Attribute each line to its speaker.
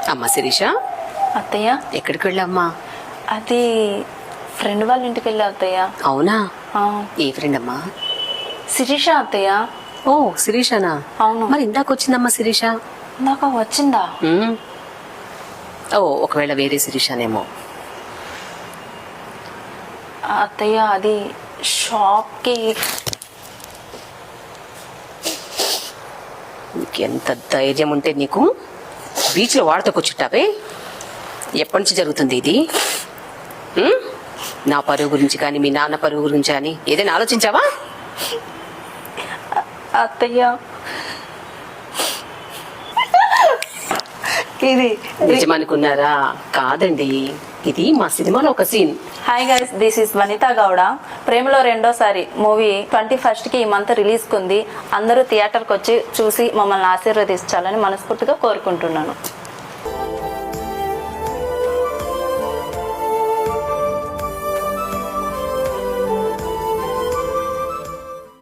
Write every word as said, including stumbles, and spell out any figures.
Speaker 1: అమ్మా శిరీష,
Speaker 2: అత్తయ్య
Speaker 1: ఎక్కడికి వెళ్ళమ్మా?
Speaker 2: అది ఫ్రెండ్ వాళ్ళ ఇంటికి వెళ్ళా అత్తయ్య.
Speaker 1: అవునా?
Speaker 2: ఆ,
Speaker 1: ఏ ఫ్రెండ్ అమ్మా?
Speaker 2: శిరీష అత్తయ్య.
Speaker 1: ఓ శిరీషనా?
Speaker 2: అవును.
Speaker 1: మరి ఇందాక వచ్చిందమ్మా శిరీష.
Speaker 2: నాకు వచ్చిందా?
Speaker 1: ఉమ్. ఓ ఒకవేళ వేరే శిరీషనేమో.
Speaker 2: అత్తయ్య అది షాప్కి.
Speaker 1: ఎంత ధైర్యం ఉంటే నీకు బీచ్లో వాడితో కూర్చుంటావే? ఎప్పటి నుంచి జరుగుతుంది ఇది? ఉమ్? నా పరువు గురించి కానీ మీ నాన్న పరువు గురించి కానీ ఏదైనా ఆలోచించావా?
Speaker 2: అత్తయ్య ఇది
Speaker 1: నిజమనుకున్నారా? కాదండి, ఇది మా సినిమాలో ఒక scene.
Speaker 2: Hi guys, this is Vanitha Gowda. ప్రేమలో రెండోసారి మూవీ ట్వంటీ ఫస్ట్ కి ఈ మంత్ రిలీజ్ కుంది. అందరూ థియేటర్కి వచ్చి చూసి మమ్మల్ని ఆశీర్వదించాలని మనస్ఫూర్తిగా కోరుకుంటున్నాను.